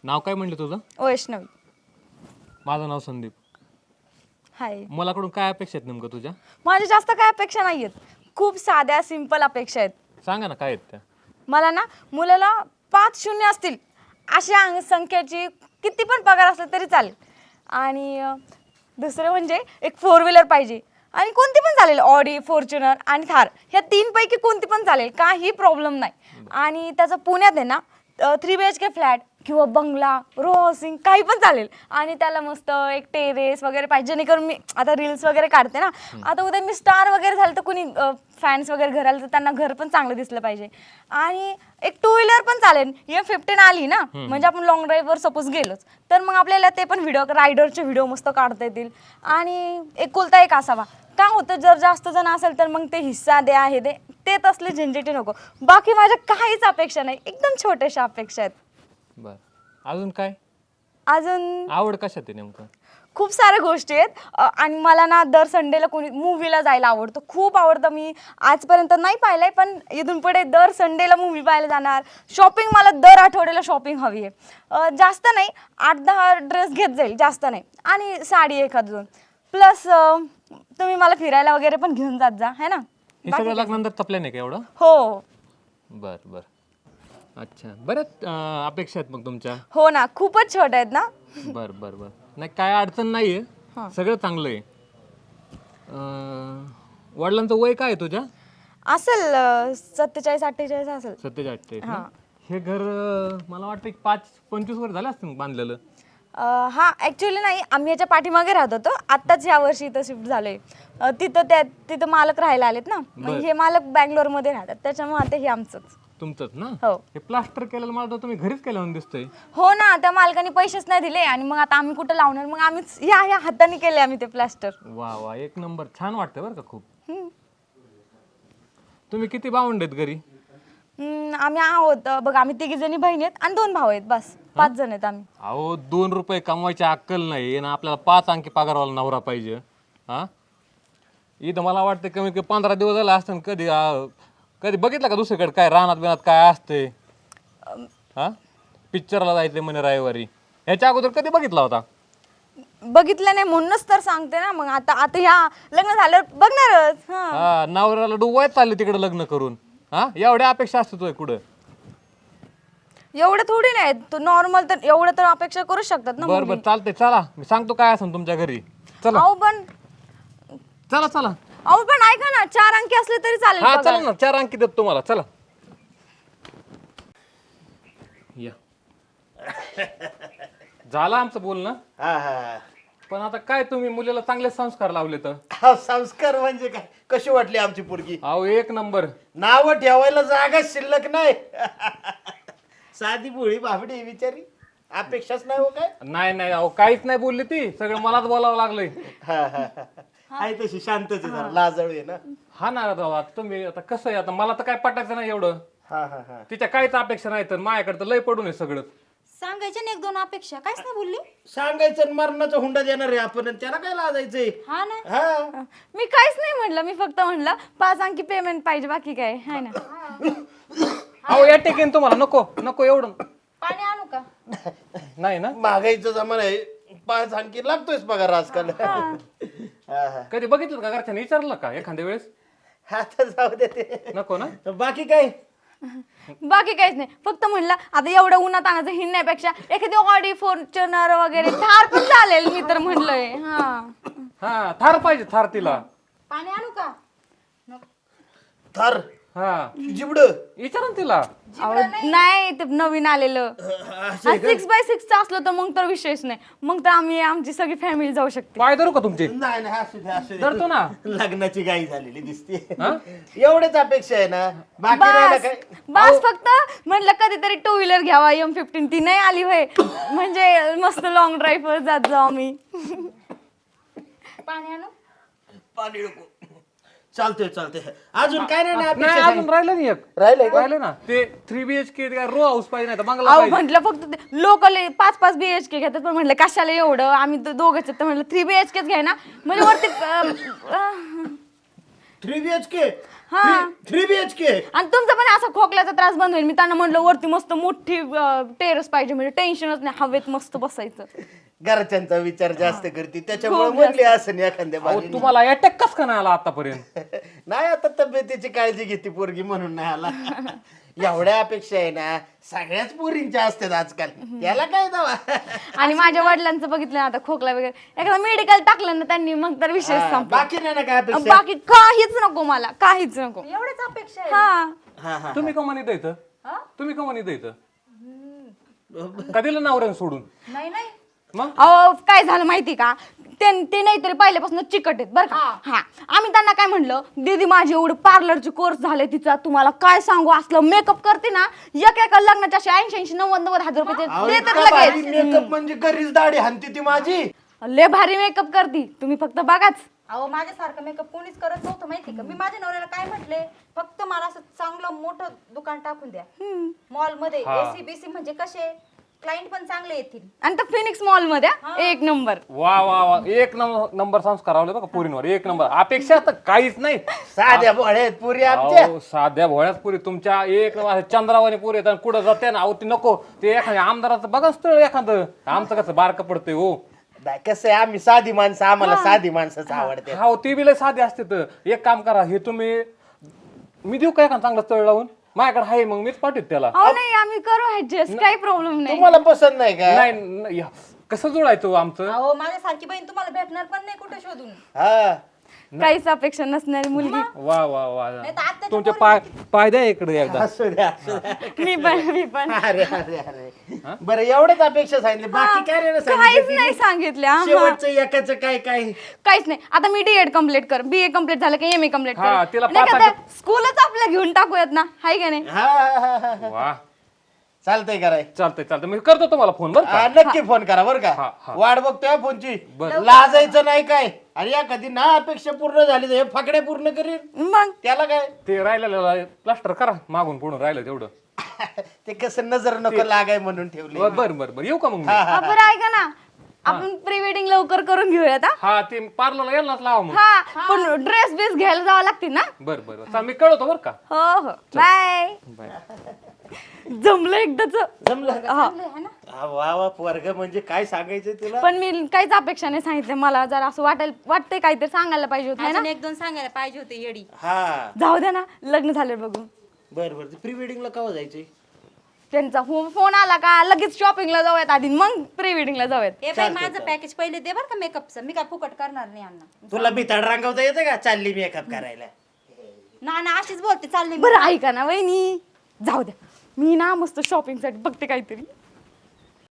नाव काय म्हणलं तुझं? वैष्णवी. माझं नाव संदीप. हाय. मलाकडून काय अपेक्षा आहेत नेमकं तुझ्या? माझ्या जास्त काय अपेक्षा नाहीयेत, खूप साध्या सिंपल अपेक्षा आहेत. सांगा ना काय आहेत त्या. मला ना मुलाला 5 शून्य असतील अशा संख्येची किती पण पगार असला तरी चालेल. आणि दुसरं म्हणजे एक 4 व्हीलर पाहिजे आणि कोणती पण चालेल, ऑडी, फॉर्च्युनर आणि थार, ह्या 3 पैकी कोणती पण चालेल, काही प्रॉब्लेम नाही. आणि त्याचं पुण्यात आहे ना 3 BHK फ्लॅट किंवा बंगला, रो हाऊसिंग काही पण चालेल. आणि त्याला मस्त एक टेरेस वगैरे पाहिजे, जेणेकरून मी आता रील्स वगैरे काढते ना, आता उद्या मी स्टार वगैरे झालं तर कुणी फॅन्स वगैरे घर आलं तर त्यांना घर पण चांगलं दिसलं पाहिजे. आणि एक 2 व्हीलर पण चालेल. M15 आली ना, म्हणजे आपण लॉंग ड्राईव्हवर सपोज गेलोच तर मग आपल्याला ते पण व्हिडिओ, रायडरचे व्हिडिओ मस्त काढता येतील. आणि एकुलता एक असावा. का होतं, जर जास्त जण असेल तर मग ते हिस्सा द्या, हे दे, ते तसले झंझटी नको. बाकी माझ्या काहीच अपेक्षा नाही, एकदम छोट्याशा अपेक्षा आहेत. बर, अजून काय? अजून आवड कशात आहे नेमकं? खूप साऱ्या गोष्टी आहेत. आणि मला ना दर संडेला कोणी मूवीला जायला आवडतं, खूप आवडतं. मी आजपर्यंत नाही पाहिलंय, पण इथून पुढे दर संडेला मूवी पाहायला जाणार. शॉपिंग, मला दर आठवड्याला शॉपिंग हवी आहे. जास्त नाही, 8-10 ड्रेस घेत जाईल, जास्त नाही. आणि साडी एखाद 2. प्लस तुम्ही मला फिरायला वगैरे पण घेऊन जात जा, है ना. हे सगळं लग्नानंतर तपलं नाही का एवढं? हो बर बर, अच्छा. बऱ्याच अपेक्षा आहेत मग तुमच्या. हो ना, खूपच छोट्या आहेत ना. बर बर बर, नाही काय अडचण नाहीये, सगळं चांगलं आहे. वडिलांचं वय काय आहे तुझ्या? असेल 47-48 असेल. 47-48 ना? हे घर मला वाटतं 5-25 वर्ष झाले असतील बांधलेलं. हा, ऍक्च्युली नाही, आम्ही याच्या पाठीमागे राहत होतो. आत्ताच या वर्षी इथं शिफ्ट झालोय. तिथं मालक राहायला आलेत ना, मग हे मालक बँगलोर मध्ये राहतात, त्याच्यामुळे आता हे आमचंच. तुमचंच ना? हो. हे प्लास्टर केलेलं मला तर तुम्ही घरीच केलं म्हणून दिसतंय. हो ना, त्या मालकाने पैसेच नाही दिले आणि मग आता आम्ही कुठं लावणार, मग आम्हीच या हाताने केले आम्ही ते प्लास्टर. वा वा, एक नंबर, छान वाटतं बरं का खूप. तुम्ही किती भावंड आहेत घरी? आम्ही आहोत बघ, आम्ही 3 जणी बहिणी आहेत आणि 2 भाऊ आहेत, बस 5 जण आहेत आम्ही. अहो, 2 रुपये कमवायची अक्कल नाही ना आपल्याला, 5 अंकी पगारवाला नवरा पाहिजे. हा, इथं मला वाटतं कमी कमी 15 दिवस झाले असतं. कधी कधी बघितलं का दुसरीकडे काय रानात बिनात काय असते? हा, पिक्चरला जायचंय म्हणे रविवारी, ह्याच्या अगोदर कधी बघितला होता? बघितलं नाही म्हणूनच तर सांगते ना. मग आता ह्या लग्न झाल्यावर बघणारच. हा, नवऱ्याला डुवायच चालले तिकडे लग्न करून. हा, एवढ्या अपेक्षा असते तुझ्या कुठं? एवढं थोडी नाही, तू नॉर्मल तर एवढं तर अपेक्षा करू शकतात ना. बरं बरं, चालतंय, चला मी सांगतो काय असेल तुमच्या घरी. चला अहो पण चला चला. ऐका ना, 4 अंकी असले तरी चालेल. हा चला ना, 4 अंकी देतो तुम्हाला, चला या. झालं आमचं बोलणं. हा हा पण आता काय, तुम्ही मुलीला चांगले संस्कार लावले तर. हा, संस्कार म्हणजे काय? कशी वाटली आमची पोरगी? अहो, एक नंबर. नाव ठेवायला जागा शिल्लक नाही. साधी भोळी बाबडी बिचारी, अपेक्षाच नाही हो काय. नाही नाही, अहो काहीच नाही बोलली ती, सगळं मलाच बोलावं लागलंय. आहे तशी शांतच आहे, जरा लाजळू आहे ना. हा ना बाबा, तुम्ही आता कसं आहे, आता मला तर काय पटायचं नाही एवढं. हा हा हा, तिच्या काहीच अपेक्षा नाही, तर माझ्याकडे तर लय पडून आहे सगळं. सांगायच्या ना 1-2 अपेक्षा, काहीच नाही बोलली. सांगायचं आणि मरणाचा हुंडा देणार आहे आपण, आणि त्याला काय लाजायचंय? हा ना. हा, मी काहीच नाही म्हटलं, मी फक्त म्हटलं 5 अंकी पेमेंट पाहिजे, बाकी काय आहे ना. अहो, या टेकीन तुम्हाला नको नको एवढं. पाणी आणू का? नाही ना, महागाईचा जमाना आहे, 5 अंकी लागतोयच पगार आजकाल. हा हा, कधी बघितलं का घरच्याने विचारलं का एखाद्या वेळेस? आता जाऊ दे ते. नको ना. बाकी काय? बाकी काहीच नाही, फक्त म्हणलं आता एवढं उन्हात आणायचं हिंडण्यापेक्षा एखादी ऑडी, फॉर्च्युनर वगैरे थार पण चालेल, मी तर म्हणलंय. हा, थार पाहिजे, थार तिला. पाणी आणू का? थर हा, जिबड विचारा ना तिला. नाही, ते नवीन आलेलं 6x6 असलं तर मग तर विषयच नाही, मग तर आम्ही आमची सगळी फॅमिली जाऊ शकते. पाय धरू का तुमचे? नाही नाही, असू दे असू दे. धरतो ना. लग्नाची गाई झालेली दिसते. एवढेच अपेक्षा आहे ना, बाकी राहिलं काय? बस फक्त म्हटलं कधीतरी 2 व्हीलर घ्यावा, M15 ती नाही आली होय, म्हणजे मस्त लॉंग ड्राईव्ह जात जाऊ आम्ही. पाणी आणू? पाणी नको. चालतंय चालतंय, अजून काय नाही ना नाही, अपेक्षा? अजून राहिलं नाही एक. राहिलं ना ते 3 BHK रो हाऊस पाहिजे, नाही तर बंगला अहो पाहिजे. म्हटलं फक्त लोकल 5-5 BHK घेतात, पण म्हटलं कशाला एवढं, आम्ही दोघंच आहेत, तर म्हटलं 3 BHKच घ्या ना, म्हणजे वरती 3 BHK? हा 3 BHK. आणि तुमचा पण असा खोकल्याचा त्रास बंद होईल. मी त्यांना म्हणलं वरती मस्त मोठी टेरेस पाहिजे म्हणजे टेन्शनच नाही, हवेत मस्त बसायचं. घरच्यांचा विचार जास्त करते त्याच्यामुळे खूप म्हणली असं एखाद्या अहो, बारीने. तुम्हाला अटॅक कस का नाही आला आतापर्यंत? नाही आता तब्येतीची काळजी घेते पोरगी म्हणून नाही आला. एवढ्या अपेक्षा आहे ना सगळ्याच पोरींच्या असतात आजकाल, त्याला काय दवा. आणि माझ्या वडिलांचं बघितलं ना आता खोकला वगैरे, एखादं मेडिकल टाकलं ना त्यांनी मग तर विषय संपला. बाकी नाही ना काय अपेक्षा. बाकी काहीच नको मला, काहीच नको. एवढ्याच अपेक्षा आहे. हा हा हा तुम्ही का म्हणत इथं? तुम्ही का म्हणत इथं? कधीला नवऱ्यानं सोडून नाही नाही मग? अहो काय झालं माहिती का, ते नाहीतरी पहिल्यापासून चिकट आहेत बरं का. हा आम्ही त्यांना काय म्हणलं, दीदी माझी एवढं पार्लरचे कोर्स झाले तिचा, तुम्हाला काय सांगू, असलं मेकअप करते ना एका लग्नाच्या 80-90 हजार अहो, रुपये देतात इतका भारी लगेच. मेकअप म्हणजे घरीच दाढी हाणती ती माझी. लय भारी मेकअप करती, तुम्ही फक्त बघाच. अहो माझ्यासारखं मेकअप कोणीच करत नव्हतं माहिती का. मी माझ्या नवऱ्याला काय म्हटले, फक्त मला असं चांगलं मोठं दुकान टाकून द्या मॉल मध्ये. एसी बीसी म्हणजे कसे क्लायंट पण चांगले येतील. आणि तर फिनिक्स मॉल मध्ये एक नंबर. वा वा वा, एक नंबर संस्कार आवले बघा पोरींवर, एक नंबर. अपेक्षा तर काहीच नाही. साध्या भोळ्या आहेत पुरी आमच्या. अहो, साध्या भोळ्याच पुरी तुमच्या, एक नंबर चंद्रावाने पुरी आहेत. आणि कुठं जाते ना अहो ती नको, ते एखाद्या आमदाराचं बघा स्थळ एखादं. आमचं कसं बारकं पडतंय हो. नाही, कसं आहे आम्ही साधी माणसं, आम्हाला साधी माणसंच आवडते. हा ती बी लय साधी असते. तर एक काम करा, हे तुम्ही मी देऊ का एखादं चांगलं स्थळ लावून? माझ्याकडे आहे, मग मीच पाठवत त्याला. अहो नाही आम्ही करू ऍडजस्ट, काही प्रॉब्लेम नाही. तुम्हाला पसंत नाही का? नाही नाही, कसं जोडायचं हो आमचं? अहो माझ्यासारखी बहीण तुम्हाला भेटणार पण नाही कुठे शोधून. हा काहीच अपेक्षा नसणारी मुलगी. वा वा वा, नाही तर आत्ताच्या तुमचे पाय पाय द्या इकडे एकदा. असू द्या असू द्या. मी पण अरे अरे अरे बरं एवढ्याच अपेक्षा सांगितली, बाकी काय नाही ना काहीच सांगितलं नाही तिने? सांगितलं. हा. शेवटचं एकाचं काय काय. काहीच नाही. आता मी डीएड कम्प्लीट कर, बीए कम्प्लीट झालं की एमए कम्प्लीट हा, कर. तिला नाही का पाच त्या स्कूलच आपल्या घेऊन टाकूयात ना, हाय का नाही. हा हा हा हा वा, चालतंय कराय. चालतंय चालतंय, मी करतो तुम्हाला फोन बरं का? नक्की फोन करा बरं हा, का. हा. वाट बघतोय फोनची. बरं. लाजायचं नाही काय. आणि एखादी ना अपेक्षा पूर्ण झाली तर हे फाकड्या पूर्ण करीन, मग त्याला काय. ते राहिलेलं प्लास्टर करा, मागून पुढून राहिलं तेवढं. ते कसं नजर नको लागाय म्हणून ठेवले. बरं बरं बरं, येऊ का मग मी? आपण ऐका ना, आपण प्री वेडिंग लवकर करून घेऊयात. हा? हा, ते पार्लरला यायलाच लावा मग. हा पण ड्रेस बीस घ्यायला जावं लागतील ना. बरं बरं चाल, मी कळवतो बरं का. हो हो, बाय. बाय. जमलं एकदाच. जमलं. चांगलं आहे ना. हा, वा वा वर्ग म्हणजे काय सांगायचं तुला. पण मी काहीच अपेक्षा नाही सांगितलं. मला जर असं वाटतंय काहीतरी सांगायला पाहिजे होत ना. अजून एक दोन सांगायला पाहिजे होते येडी. हा जाऊ द्या ना, लग्न झालं बघू. बर बर, प्री वेडिंगला केव्हा जायचंय? त्यांचा फोन आला का लगेच शॉपिंगला जाऊयात आधी, मग प्री वेडिंगला जाऊयात. ए बाई माझं पॅकेज पहिले दे बरं का मेकअपचं. मी काय फुकट करणार नाही अण्णा. तुला भिताड रांगवता येतं का? चालली मेकअप करायला. ना अशीच बोलते चालले मी. बरं ऐका ना वहिनी, जाऊ द्या, मी ना मस्त शॉपिंग साठी बघते काहीतरी.